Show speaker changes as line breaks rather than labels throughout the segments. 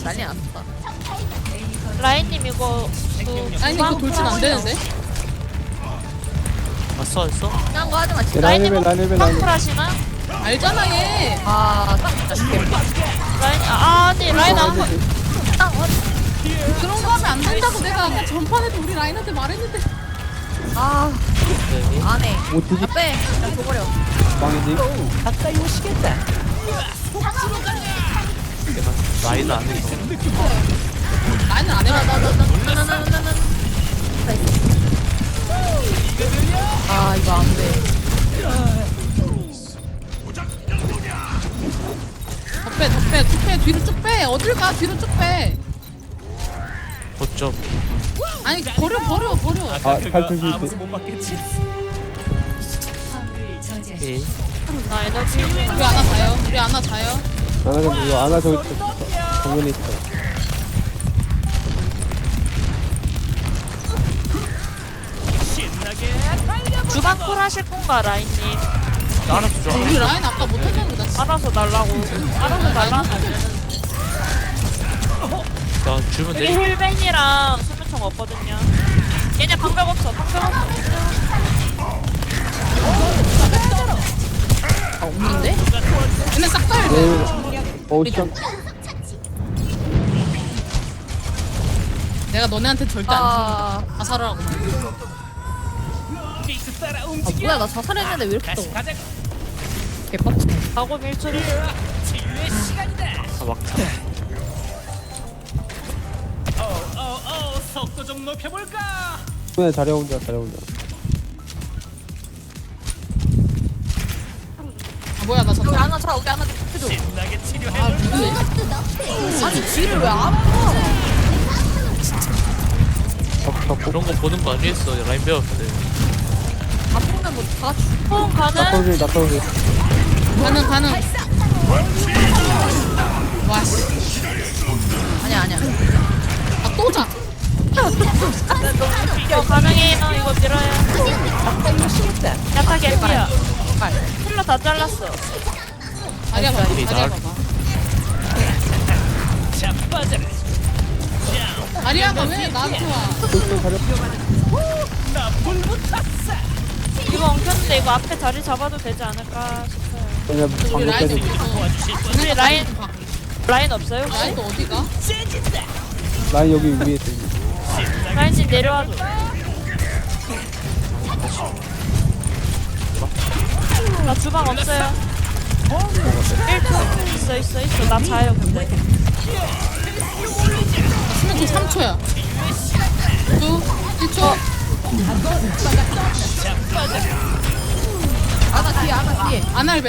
난리 났어.
라인님 이거
아니 이거 돌진 안 되는데?
왔어 왔어?
그냥 거 하지 마. 진짜.
라인님
라인벨
팡풀 하시나?
알잖아 얘.
아, 딱 진짜 개피.
라인 아니 라인 안
딱
그런 거 하면 안 된다고 내가 아까 전판에도 우리 라인한테 말했는데.
아,
네.
안 해.
어떻게
아, 빼. 그냥 줘버려.
망이지?
내가 라인을 안 해서
라인은 안 해봐.
아, 이거 안 돼.
더 빼, 뒤로 쭉 빼. 어딜 가, 뒤로 쭉 빼.
어쩜
아니 버려.
아, 탈출 실패.
예.
나 에너지
우리 하나 자요.
나는 근데 이거 안아 저기 정면에 있어.
주방 콜 하실 건가 라인님?
알아서 줘.
우리 라인 아까 못했는데 나 진짜.
알아서 달라고. 알아서 달라고.
나 주면
여기
돼.
힐벤이랑 수면총 없거든요. 얘네 방벽 없어.
아, 없는데?
얘네 싹 다 해야 돼.
오션.
내가 너네한테 절대 안
아,
줘. 자살하라고.
뭐야, 나 자살했는데 왜 이렇게 떠? 개빡쳐.
가고 밀초리.
아 막차.
손에 자려 혼자.
아 뭐야 나
우리
자살.
하나 차, 우리 하나 해줘.
아 누구네?
아니, 뒤를 왜 안 봐?
그런 거 보는 거 아니었어. 라인 배웠을 때.
아프면 뭐다 죽.
폰 가는?
낙서실.
가능. 와 씨.
아니야.
아 또 자.
이거 가능해요. 이거 밀어요. 야타 개피야. 힐러 다 잘랐어.
자리야 봐봐.
날-
자리야가 왜 나한테 와?
손 자려.
이거 엉켰는데 이거 앞에 자리 잡아도 되지 않을까 싶어요.
그냥
우리
방금
라인
깨지.
어디서?
우리 라인 없어요? 혹시?
라인 또 어디가?
라인 여기 위에 있어.
라인님 내려와줘. 나 주방 없어요. 1초 있어. 나 자요 근데.
수면 또 3초야. 2, 1초.
하나 뒤에.
아날벤.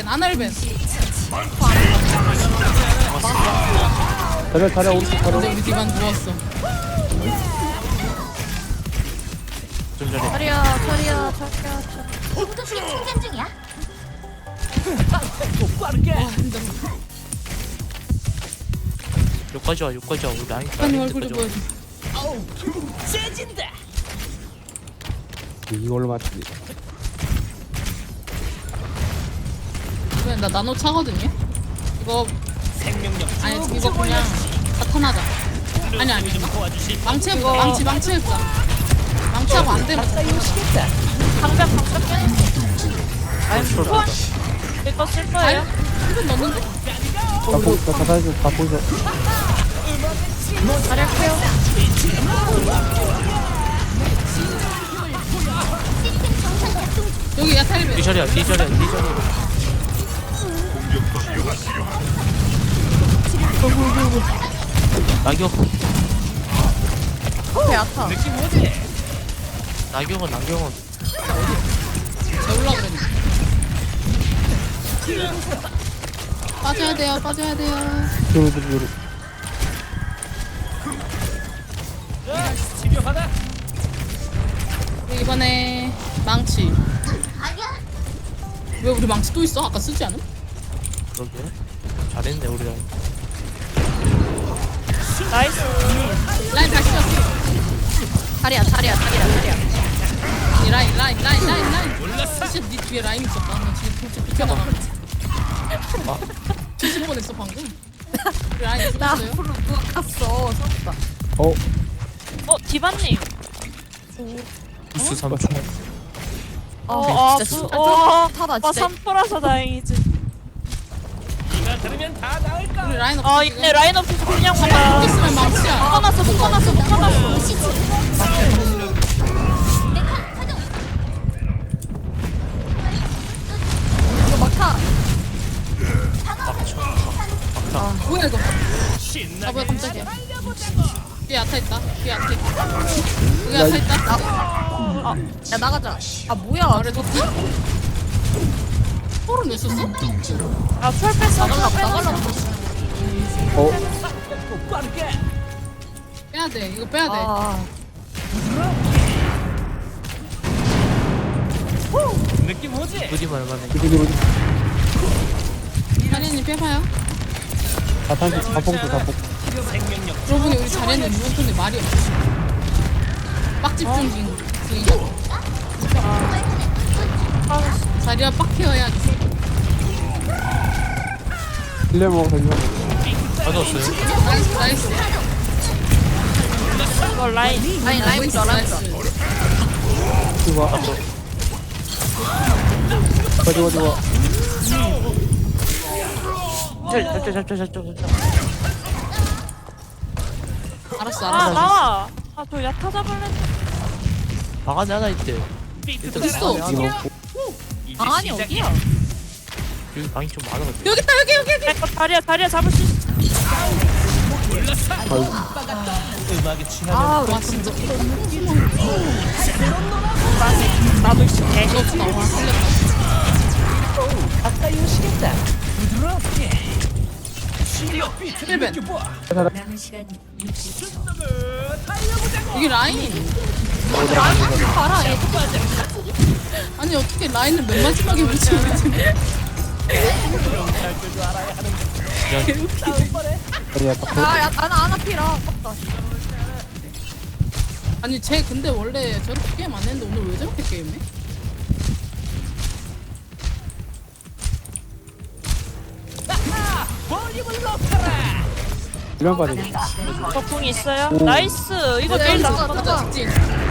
자려 오른쪽 자려.
근데 우리 뒤만 누웠어.
좀 전에
차리야.
여기까지 와. 우리 라인.
아니 얼굴 좀 보여줘.
이걸로 맞지.
그래 나 나노 차거든요. 이거 아니 이거 그냥 나타나자. 아니 망치 해보자. 망치하고 안 되면
방벽 깨는. 이거 쓸 거예요?
한번 넣는데?
다 보이죠.
자리 할게요.
여기 야타리벤.
뒤자리야. 낙엽.
앞에 아타.
낙엽은
재울라 그랬네. 빠져야 돼요.
뒤로.
우리 이번에 망치. 왜 우리 망치 또 있어? 아까 쓰지 않음?
그러게. 잘했네 우리 라인.
나이스.
라인 다시 쳤어.
차리야.
이 라인. 진짜 네 뒤에 라인 있었다. 나 지금 진짜 비켜나가. 뒤질 뻔했어 방금. 우리 라인
나
죽었어요?
앞으로 누가 갔어. 살았다.
디바님.
부스 3초.
아, 진짜 타다
와,
진짜.
3%라서 다행이지.
우리 라인 없어.
아, 이때 라인 없어서 그냥 가다.
있으면 망치야.
묶어놨어.
이거 막타.
뭐야 이거? 아 뭐야 깜짝이야. 뒤에 아타 있다. 뒤에 아타 있다. 여기 아타 있다.
야 나가자. 아 뭐야?
아래 도티. 홀은 왜 썼어?
아, 철 뺐어.
나갈라고.
빼야 돼. 이거 빼야 돼.
아.
부디 말만해.
자리님 빼봐요.
자폭도 자폭.
여러분이 우리 잘했는데 이번 턴에 말이 없어. 빡집중 중이야. 자리야 빡해야지.
힐레 먹어 힐레 먹어.
맞았어요.
나이스.
이거 라인.
라인 좋아.
이거 와. 좋아.
알았어.
아, 나와. 아, 저 야타 잡을래.
방 안에 하나 있대. 일단
됐어.
방 안에 하나.
아니 어디야?
여기 방이 좀 많아가지고.
여기 있다 여기.
야, 이거 다리야 잡을 수 있어.
아
와 진짜.
나도 있어.
이거 없어 나와. 힐벤. 이게 라인.
봐라 얘.
아니 어떻게 라인을 맨 마지막에 붙이고 있지?
아야 아나 피라. 아깝다.
아니 쟤 근데 원래 저렇게 게임 안 했는데 오늘 왜 저렇게 게임해?
이런 빠져.
저궁 있어요? 나이스. 이거 게임 나가.
맞아 직진.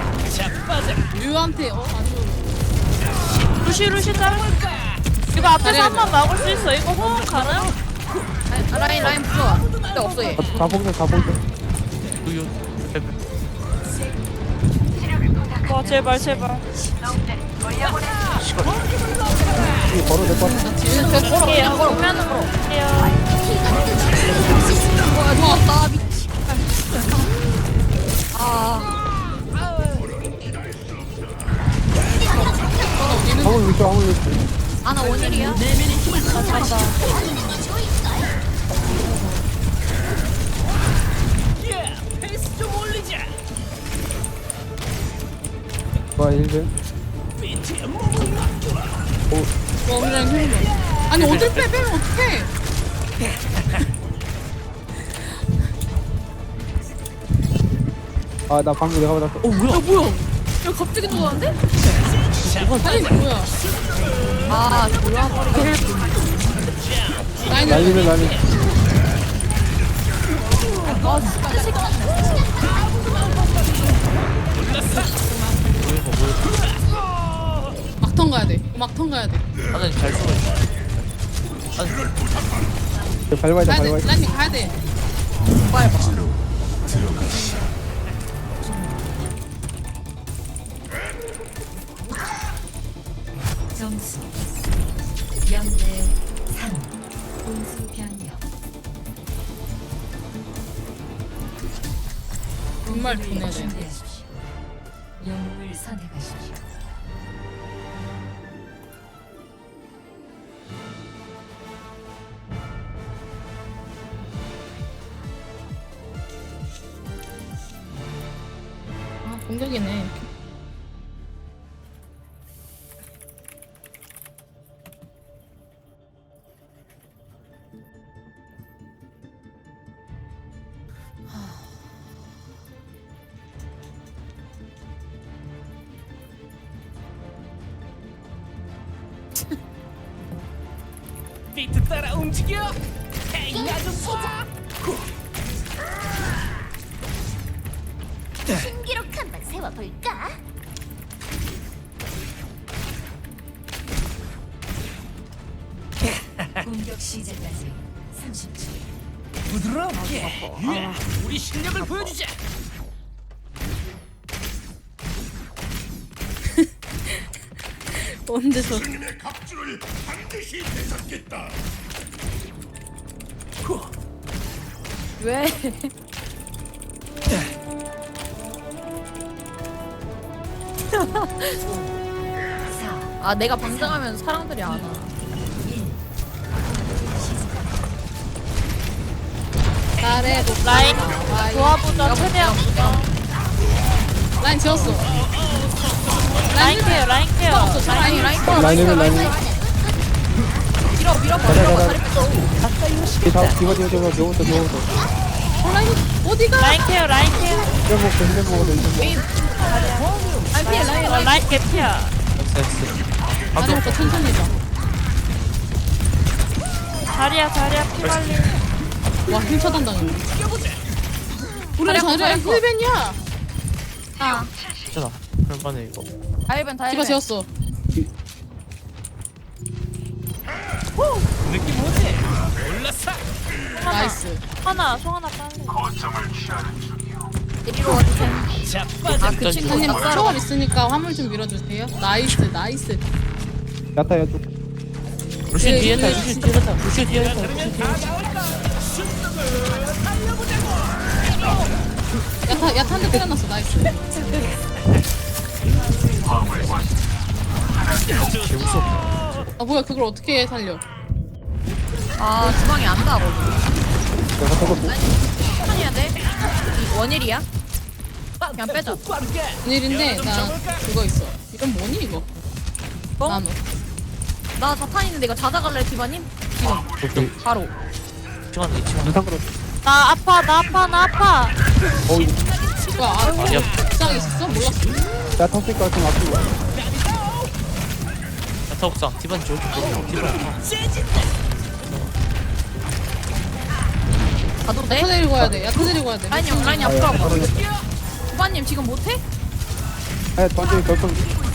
류한테 아주
루시 자르. 이거 앞에서
잘해야
한 번 막을 수 있어. 이거 호흡 가능?
라인 부좋아. 근데 없어 얘.
자폭도.
여기
와, 제발.
이거 걸어 될것 같아.
뒤에
걸어. 보면 걸어.
와 좋았다. 미치. 아.
화물 위쪽.
아나 원일이야? 잘한다.
와 힐벤.
와 우리랑 힐벤. 아니 어딜 빼면 어떡해?
아나 방금 내가 받았어.
뭐야?
야 갑자기 누웠는데?
아니 뭐야?
아 돌아버리게.
라인을
난리는.
아 진짜 새끼.
막턴 가야 돼. 막턴 가야 돼.
하나 잘 숨어 있어.
밟아야
가야
돼.
돼. 라인님 가야 돼.
점수 0대 3 공수 변경
정말 보내야 돼.
준비하십시오. 영웅을 선택하십시오.
아 공격이네.
비트 따라 움직여. 헤이 나좀 봐. 신기록 한번 세워볼까?
공격 시작까지 30초.
우리 실력을 보여주자.
언제 저
갑주를 반드시 되찾겠다.
왜? 아 내가 방장하면 사람들이 안 와.
잘해
라인 도와보자 최대한 보자.
라인 지웠어.
라인 케어 라인 케어.
라인 라인
라인 해변 라인 해변.
밀어
가자.
다리 뺐어.
뒤부터
라인 어디가?
라인 케어 라인 케어.
힐 먹어도
라인 피해 라인
라인 개피야.
다리부터 천천히 해봐.
자리야 피 관리.
와힐 차단 당했네. 우리 자리야 힐벤이야.
괜찮아. 그럴만해 이거.
다일벤
디바 지웠어.
느낌 오지? 올랐어.
나이스.
송하나 빨리.
이리로 와주세요.
자빠져.
아그 친구
선생님
낯설어.
초월 있으니까 화물 좀 밀어주세요. 나이스.
야타 야타.
루시
예,
뒤에
예,
있다. 루시 뒤에 있다. 루시 뒤에 있다.
야타 한 대 때려놨어. 나이스.
개무섭.
아 뭐야 그걸 어떻게 살려?
아 주방이 안 나거든.
내가 저거
천천히 해야 돼. 원일이야? 그냥 빼자.
오늘인데 나 그거 있어. 이건 뭐니 이거?
뭐?
나노.
나 자탄 있는데 이거 자자갈래 디바님? 지금 바로.
시간 있지.
인상 끌어.
나 아파.
뭐야
아니야.
옥상에 있었어? 몰랐어.
야 턱질 같은 앞으로.
야타 옥상. 디반 저기 보여. 디반.
가도 돼?
야타 데리고 가야 돼.
라인이 형 라인이 앞으로 와봐. 디바님 지금 못해?
아 던지 결정.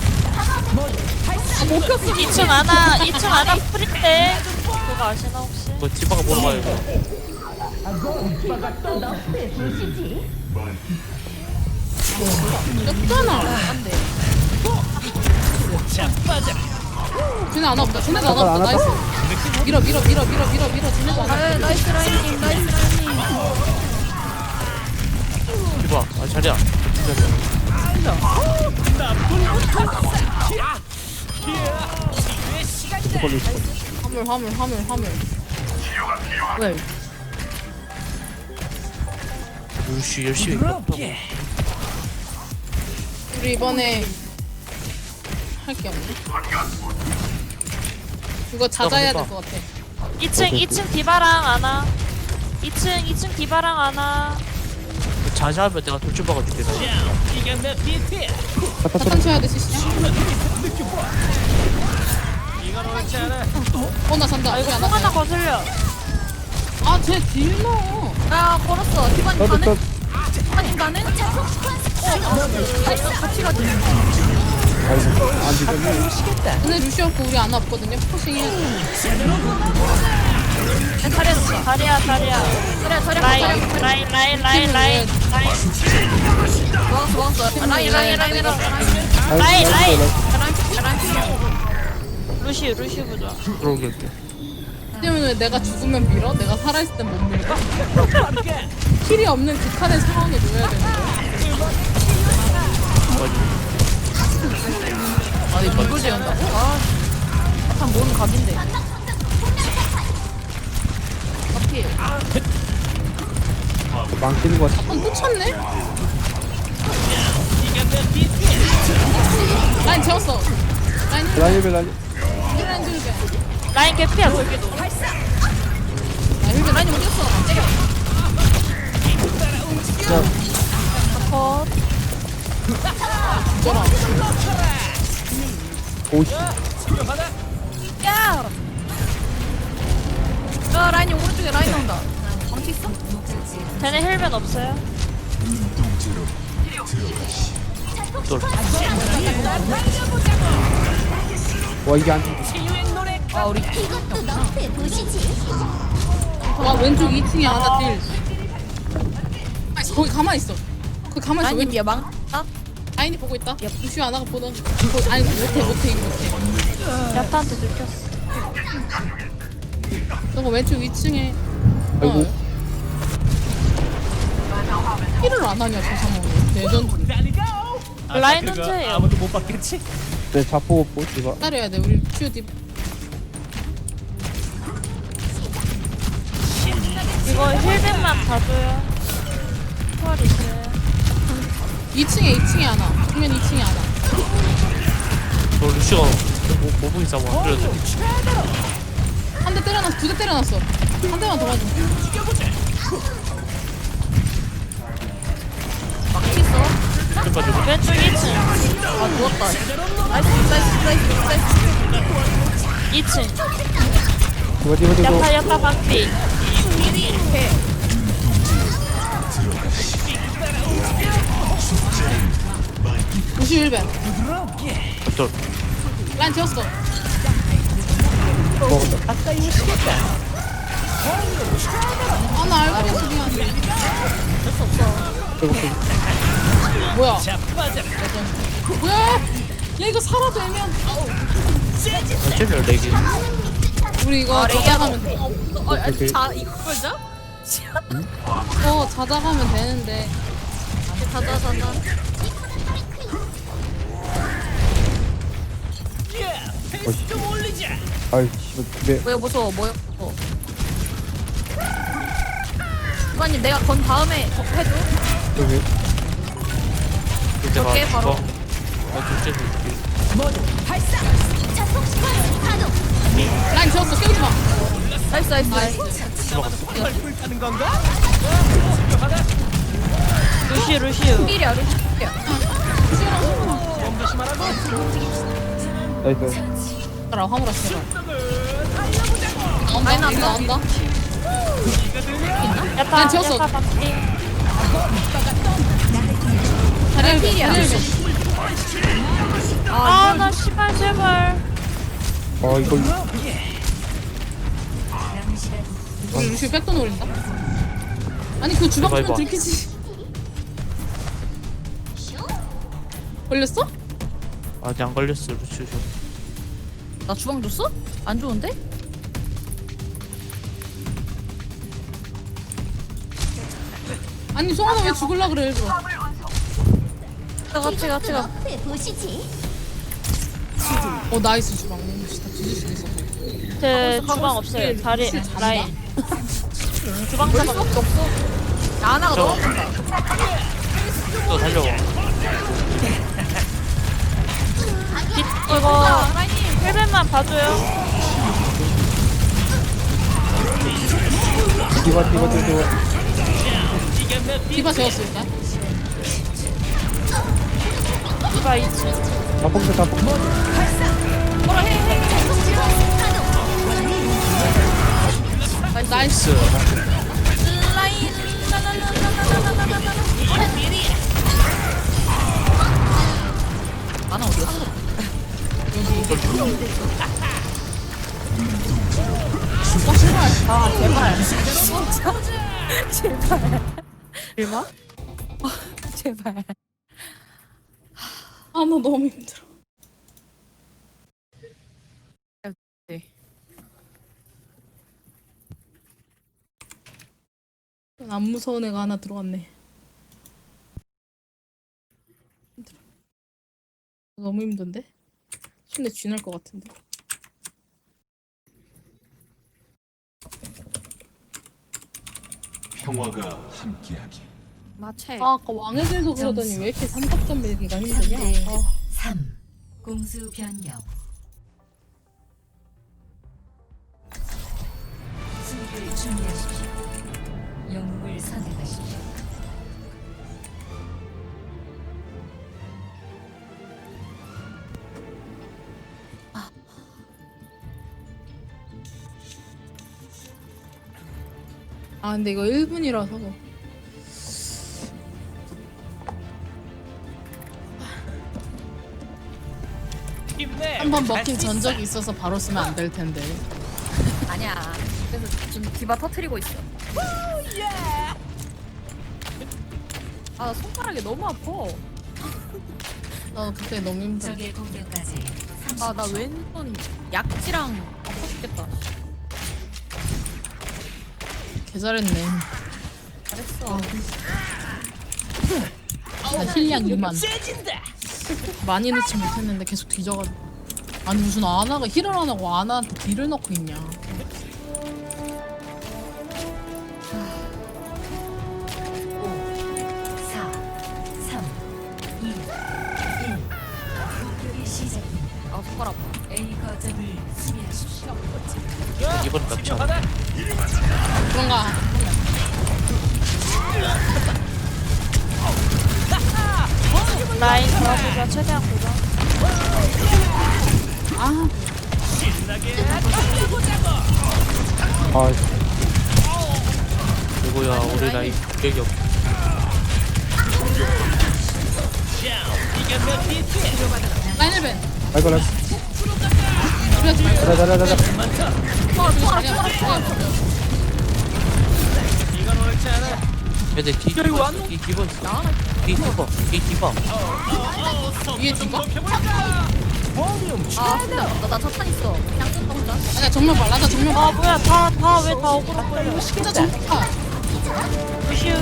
아못 폈어.
2층 안아 프린데. 그거 아시나 혹시?
뭐 디바가 보러 가요 이거.
였잖아.
안돼.
자빠져.
쟤네 안 없다. 쟤네도 안 없다. 나이스. 밀어. 쟤네도 안 없다.
아 나이스 라인님 나이스 라인님.
디바. 아 자리야.
화물.
왜?
루시 열심히.
부럽게.
우리 이번에 할 게 없네. 이거 잦아야 될 것 같아.
2층 디바랑 안아. 2층 디바랑 안아.
자자하면 내가 돌출 박아줄게. 나.
이게 내 비트야.
사탕 쳐야 돼 시시.
이건 옳지 않아.
나 잔다.
이거
여기 안
송하나
왔다.
거슬려.
아쟤 딜러.
야 걸었어. 디바님
너도
가는?
또
디바님 가는? 같이 가지.
안 되겠네.
근데 루시 없고 우리 안 없거든요. 포싱 해야 돼.
잘했어.
자리야. 라인.
좋았어. 라인.
루시 부자.
들어오게.
때문에 왜 내가 죽으면 밀어? 내가 살아있을 땐 못 밀어? 킬이 없는 극한의 상황에 놓여야 되는 거야?
아니 이걸 지은다고? 참 모는 각인데. 어필.
망치는 거 같아.
또 쳤네? 라인 채웠어. 라인 힐.
라인 해변 라인.
라인 힐.
라인 개피야 거기도.
라인 힐. 라인이 어디 갔어? 때려.
컷.
저라.
오씨.
야! 라인이 오른쪽에 라인 나온다. 망치 있어?
쟤네 헬멧 없어요?
또
와 이게 안 죽어.
치유의 노래.
아 우리
이것도 너프에 보시지.
와 왼쪽 2층에 하나 딜. 아니 거기 가만히 있어. 거기 가만히 있어.
아님
왼쪽
예방 딱
라인이 보고 있다. 루시오 하나가 보는. 아니 못해 이거 못해.
야타한테 들켰어.
너가 왼쪽 2층에.
아이고.
힐을 안 하냐 저 상황에. 레전드.
달리고.
라인
그거
혼자예요.
아무도 못 봤겠지?
내 자포 못 집어.
따라야 돼. 우리 루시오 딥.
이거 힐백만 봐줘요. 초월이 있어요.
2층에 하나. 정면 2층에 하나.
저 루시가 모붕이 잡아 안 그래도
한 대 때려놨어. 2대 때려놨어. 한 대만 더 맞으면 돼.
막치 있어.
좀 가지고
왼쪽 2층.
아 누웠다. 나이스.
2층.
집어.
야타 박비.
루시오 1배.
저
라인 지웠어. 아나 알고 있어 미안. 뭐야?
자빠져라.
뭐야? 야 이거 살아도 애면.
어쩌면 4개
우리 이거 자작하면 돼.
자 이거 보자.
자작하면 되는데.
자자.
야, 페이스 좀 올리자.
아이 씨발 내
뭐야 무서워. 수관님 내가 건 다음에 해줘.
여기
이제
오케이, 바로.
둘째 줄게
라인 지웠어. 깨우지 마.
나이스.
불타는 건가?
루시우.
필이야.
몸 조심하라고.
나이스.
가라 화물아 제발.
라인
나온다. 이거
나온다.
나온다.
야타
지웠어.
박비.
자리를
필이야.
아나 씨발 제발.
아 이걸
우리 루시오 백도 노린다. 아니 그 주방 주면
해봐.
들키지. 걸렸어?
아직 안 걸렸어 루시 좀
나 주방 줬어? 안 좋은데?
아니 송하나 왜 죽을라 그래 일부러.
같이 가.
너프에 보시지.
나이스 주방. 다 뒤질 수도 있어.
제 주방 없어요. 다리
루시오 잘한다.
라인. 주방 잡아.
없어. 하나가
저-
넣어.
또 달려와
이거 힐백만 봐줘요.
디바.
디바 재웠어 일단.
디바 2층.
자폭.
나이스.
하나 어디 갔어? 제발.
아 나 너무 힘들어.
네.
안 무서운 애가 하나 들어왔네. 힘들어. 너무 힘든데? 손에 쥐날 것 같은데.
평화가 함께하기.
마체.
아까 왕의 길도 그러더니 왜 이렇게 삼각점 밀기가 힘드냐?
3대
아.
3 공수 변경. 수비를 준비하십시오. 영웅을 선택하십시오.
근데 이거 1분이라서
네,
한번 먹힌 전적이 있어서 바로 쓰면 안 될 텐데.
아니야. 그래서 지금 디바 터트리고 있어. 아 손가락이 너무 아파.
나 그때 너무 힘들어.
적의 공격까지
아 나 왼손 약지랑 아파 죽겠다.
개 잘했네.
잘했어.
나 힐량 2만.
세진다.
많이 넣지 못했는데 계속 뒤져가지고. 아니 무슨 아나가 힐을 안 하고 아나한테 딜을 넣고 있냐.
4, 3, 2, 1. 공격이 시작됩니다.
아 손가락 아파.
A 거점을 수비하십시오.
이번 납치 안
받아.
그런가.
라인 잡아보자. 최대한 보자.
아
아,
이거야 우리 라인 기억이 없.
라인을
아이고, 나.
우리하지 말고.
자자자자자.
이건 옳지 않아.
근데 뒤 디바
위에 뒤가?
아 근데 나 자탄 있어. 그냥 쓴다 혼자.
아니야 정면 봐. 라자 정면
아
봐.
뭐야 다 왜 다 억울한 거야.
진짜 정면 봐.
루시우.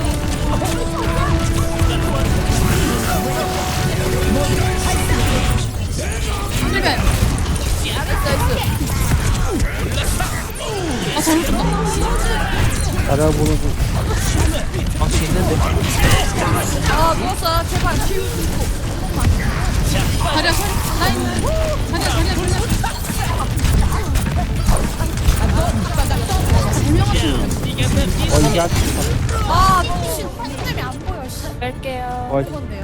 힐벤. 아 저를 좀
잘해보는 중.
망치 있는데
아 누웠어. 제발.
다리야 라인. 다리야.
이게 아직.
아 미친. 팬점이 안 보여. 씨.
뺄게요.
와,
그건데요.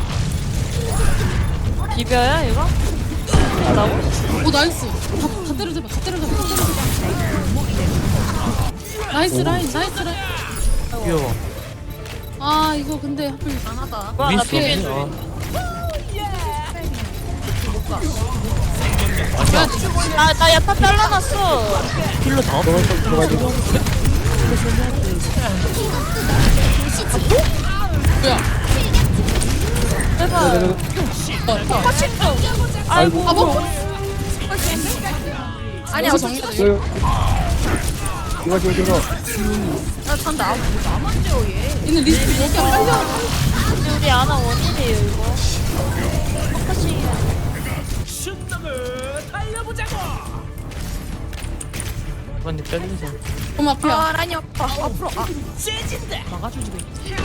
비벼야 이거?
오 나이스. 다 때려잡아. 나이스 라인.
귀여워.
아 이거 근데 하필
강하다.
뭐야 나
윈스
비빈. 나 야타 잘라놨어.
힐러 다 없어.
들어가지.
뭐야?
제발. 아이고.
아 뭐?
아니야
여기서
어차피
정리돼.
이거.
나 잔다. 나만 재워 얘.
얘는 리스트 여기 안 빨려.
근데 우리 아나 원인이에요 이거. 포커싱이야.
순덕을 달려보자고.
이번에 빼면서
너무 앞이야.
아 라인이 아파. 앞으로. 아
세진다.
막아주지고.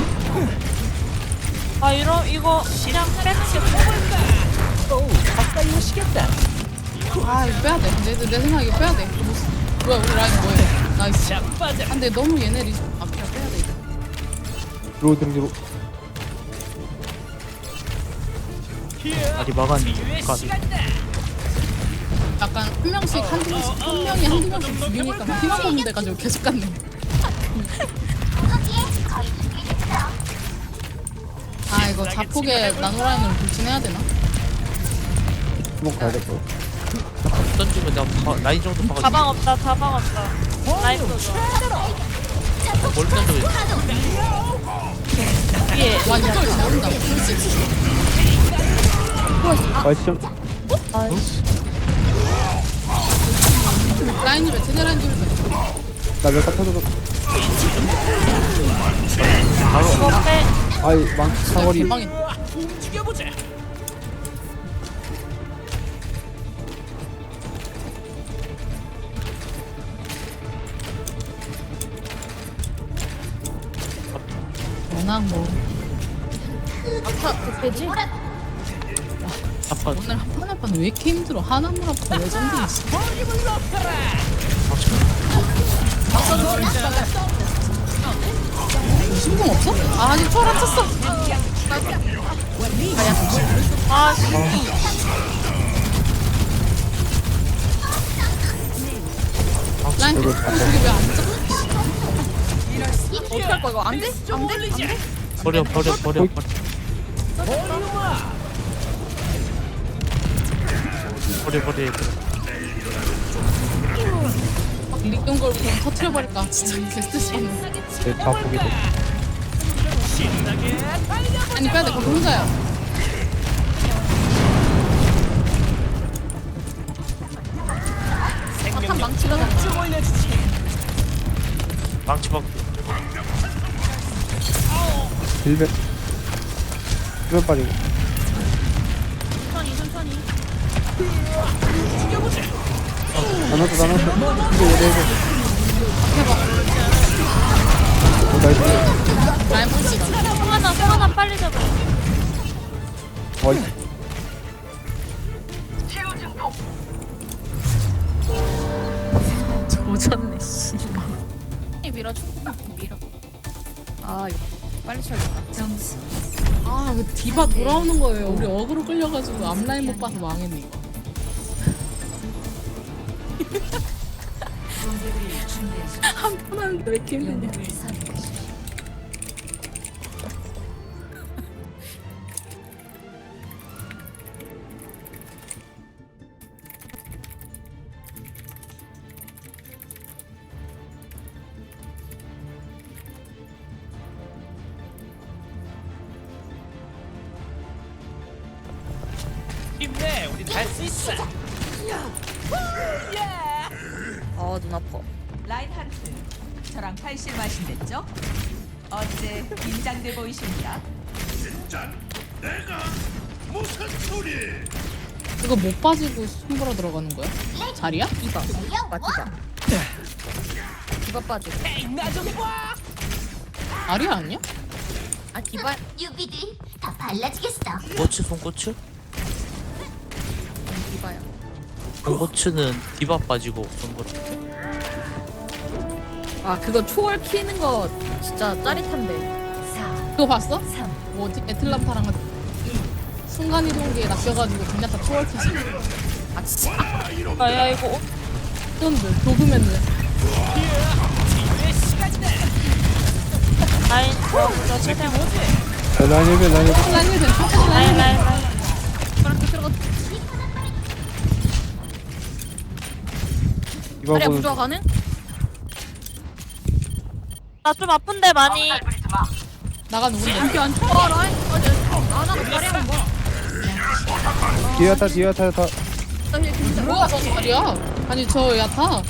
아 이거 그냥 빼는 게 좋을
가까이 오시겠다.
아 이거 빼야 돼. 내 생각에 이거 빼야 돼. 뭐야 우리 라인 뭐해? 나이스.
자빠져.
아, 근데 너무 얘네 리스트 앞이라 빼야 돼.
들어.
아직 막았니?
기회 시간다.
약간 한 명씩 한두 명이 한두 명씩 죽이니까 희망 없는 데 가지고 계속 갔네. 아 이거 자폭에 나노라인으로 돌진해야 되나?
주먹 가야 될 거.
던지면 나 라인 정도 박아.
가방 없다. 라인 보자.
뭘 던져?
위에.
와 이걸 잘한다.
아, 시점.
라인을 왜 제대 라인 돌려?
나몇개 터져서.
이거 빼.
아이, 사거리.
대망이.
움직여보자.
워낙 뭐
아파. 대패지?
아파.
오늘 한판 한판 왜 이렇게 힘들어? 하나물 아파 레전드 있어. 신공 없어? 아 아직 초월 안 쳤어.
아 씨.
라인 저기 왜안 쳐?
어떻게 할 거야 이거? 안 돼? 안 돼?
버려. 버려 얘들아.
막 리던 걸 그냥 터트려버릴까. 진짜 게스트 시간.
제 자폭이 돼.
아니 빼야 돼. 거기 혼자야.
사탄 망치가 나.
망치 박.
힐백. 힐백 빠지고.
천천히.
나눴어. 이거 얘네. 나이스.
라인 보시다.
송하나 빨리 잡아.
어이.
오졌네 씨. 밀어줘. 밀어. 아 이거 빨리 쳐야겠다.
점수
아, 그 디바 돌아오는 거예요. 우리 어그로 끌려가지고 앞라인 못 봐서 망했네 이거.
공격을 준비하십시오.
한 번 하는데 왜 이렇게 힘드냐.
영웅을 선택하십시오.
힘내, 우린 할 수 있어.
눈 아파.
라인하르트, 저랑 팔실 마신댔죠? 어째 긴장돼 보이십니다.
이거 못 빠지고 손보러 들어가는 거야? 자리야?
디바. 디바 빠지고.
나좀 봐.
자리야 아니야?
아 디바.
유비들 다 발라주겠어.
고추 손고추?
디바야.
손고추는 디바 빠지고 그런 거.
아 그거 초월 키는 거 진짜 짜릿한데.
4,
그거 봤어?
3,
뭐지? 애틀란타랑 순간이동기에 낚여가지고 그냥 다 초월 키지.
아 진짜.
아야 이거
쩐들 도그맨들.
라인 저 최대 뭐지?
라인 힐백.
라인 힐 천천히 라인 힐.
라인.
그렇게 들어가.
이거
자리야
보는.
부조화 가능?
나 좀 아픈데 많이.
나가 누군데?
이렇게 안 쳐. 라인. 나가 자리야 뭐.
뒤에 타.
나 이제 진짜.
뭐야 저 자리야? 아니 저 야타.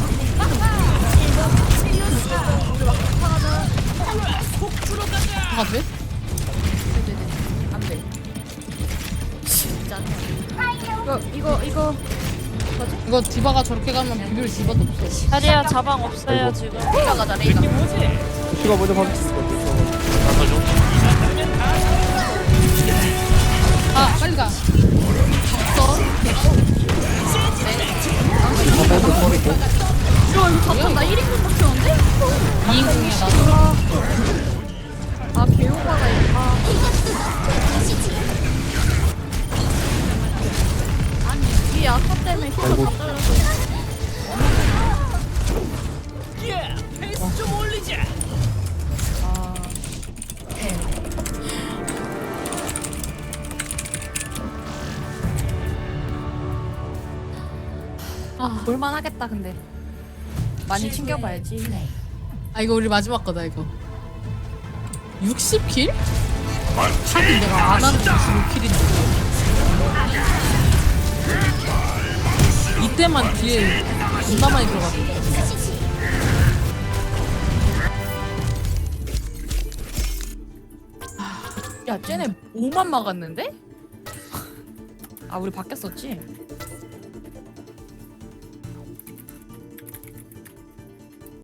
다 돼?
안 돼. 진짜. 이거.
이거 디바가 저렇게 가면 비빌 디바도 없어.
자리야 자방 없어요 지금.
레이가 가자 레이가.
슈가 먼저 박수.
나가죠.
아 빨리 가.
이거 잠깐 나 1인분 박혔는데?
2인공이야 나도.
아 개오바가 아. 아니 이게 아까 때문에 힘을 다 잘려서.
예, 페이스 좀 올리자.
아. 아 볼만하겠다 근데. 많이 챙겨봐야지.
아 이거 우리 마지막 거다 이거. 60킬? 하긴 내가 안 하는 65킬인데. 이때만 뒤에 존나 많이 들어갔는데.
야 쟤네 5만 막았는데? 아 우리 바뀌었었지?